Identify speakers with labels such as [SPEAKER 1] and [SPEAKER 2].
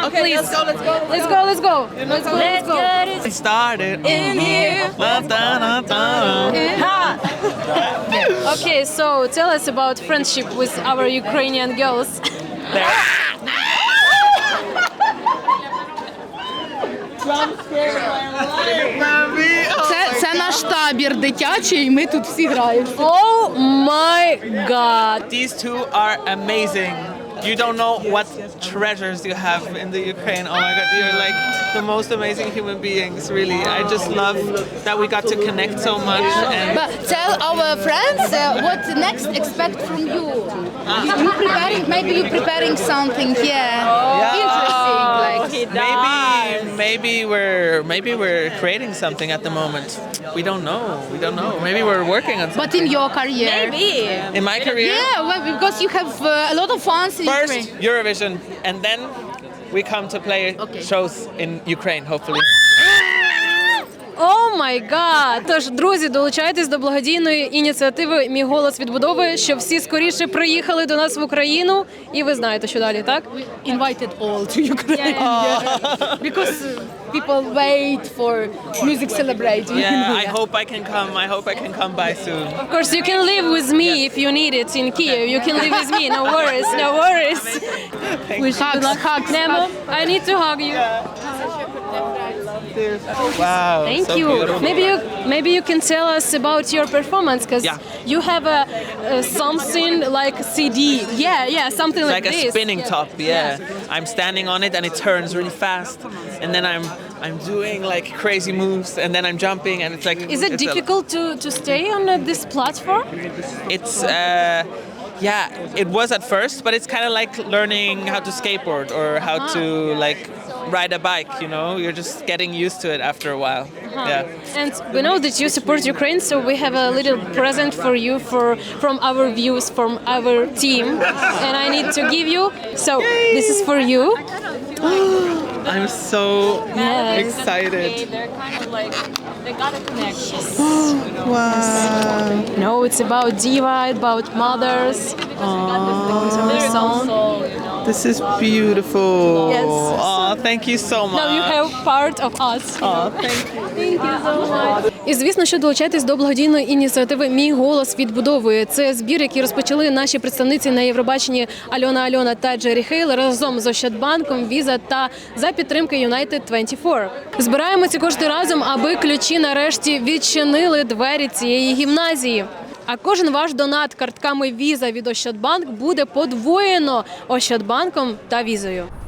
[SPEAKER 1] Okay,
[SPEAKER 2] please.
[SPEAKER 1] let's go.
[SPEAKER 2] Let's go.
[SPEAKER 3] Get it
[SPEAKER 1] Started
[SPEAKER 3] in here.
[SPEAKER 2] Okay, so tell us about friendship with our Ukrainian girls.
[SPEAKER 4] Це наш табір дитячий, і ми тут всі граємо.
[SPEAKER 2] Oh my god.
[SPEAKER 1] These two are amazing. You don't know what treasures you have in the Ukraine. Oh my God, you're like the most amazing human beings, really. I just love that we got to connect so much. And
[SPEAKER 4] But tell our friends what next expect from you. You preparing? Maybe you preparing something? Yeah. Interesting. Like
[SPEAKER 1] maybe we're creating something at the moment. We don't know. Maybe we're working on something.
[SPEAKER 4] but in your career.
[SPEAKER 3] Maybe.
[SPEAKER 1] In my career,
[SPEAKER 4] Yeah, well, because you have a lot of fans in
[SPEAKER 1] first
[SPEAKER 4] Ukraine.
[SPEAKER 1] Eurovision, and then we come to play shows in Ukraine, hopefully.
[SPEAKER 2] О май гад! Тож, друзі, долучайтесь до благодійної ініціативи «Мій голос відбудови», щоб всі скоріше приїхали до нас в Україну. І ви знаєте, що далі, так?
[SPEAKER 4] Invited all to Ukraine. Yeah. Because people wait for music celebrating.
[SPEAKER 1] Yeah, I hope I can come by soon.
[SPEAKER 2] Of course, you can live with me if you need it in Kiev. You can live with me. No worries.
[SPEAKER 4] Hugs.
[SPEAKER 2] Nemo, I need to hug you.
[SPEAKER 1] Wow.
[SPEAKER 2] Thank
[SPEAKER 1] so
[SPEAKER 2] you.
[SPEAKER 1] Beautiful.
[SPEAKER 2] Maybe you can tell us about your performance, because you have a something like CD. Yeah, something
[SPEAKER 1] It's
[SPEAKER 2] like
[SPEAKER 1] like a
[SPEAKER 2] this.
[SPEAKER 1] spinning top, yeah. I'm standing on it and it turns really fast, and then I'm doing like crazy moves, and then I'm jumping, and it's like.
[SPEAKER 2] Is it difficult to stay on this platform?
[SPEAKER 1] It's yeah, it was at first, but it's kind of like learning how to skateboard or how to like ride a bike. You know, you're just getting used to it after a while. Yeah.
[SPEAKER 2] And we know that you support Ukraine, so we have a little present for you from our views, from our team, and I need to give you. So this is for you.
[SPEAKER 1] I'm so
[SPEAKER 2] Yes.
[SPEAKER 1] excited.
[SPEAKER 3] They're kind of like, they got a connection.
[SPEAKER 1] Wow.
[SPEAKER 2] No, it's about diva, about mothers.
[SPEAKER 3] Their
[SPEAKER 2] song.
[SPEAKER 3] soul, you know.
[SPEAKER 1] This is beautiful.
[SPEAKER 2] Yes.
[SPEAKER 1] Oh, thank you so much.
[SPEAKER 2] Now you have part of us.
[SPEAKER 1] Oh, thank you.
[SPEAKER 2] Thank you so much. І, звісно, що долучайтесь до благодійної ініціативи «Мій голос відбудовує». Це збір, який розпочали наші представниці на Євробаченні Альона та Джері Хейл разом з Ощадбанком, Віза та за підтримки United 24. Збираємо ці кошти разом, аби ключі нарешті відчинили двері цієї гімназії. А кожен ваш донат картками Віза від Ощадбанк буде подвоєно Ощадбанком та Візою.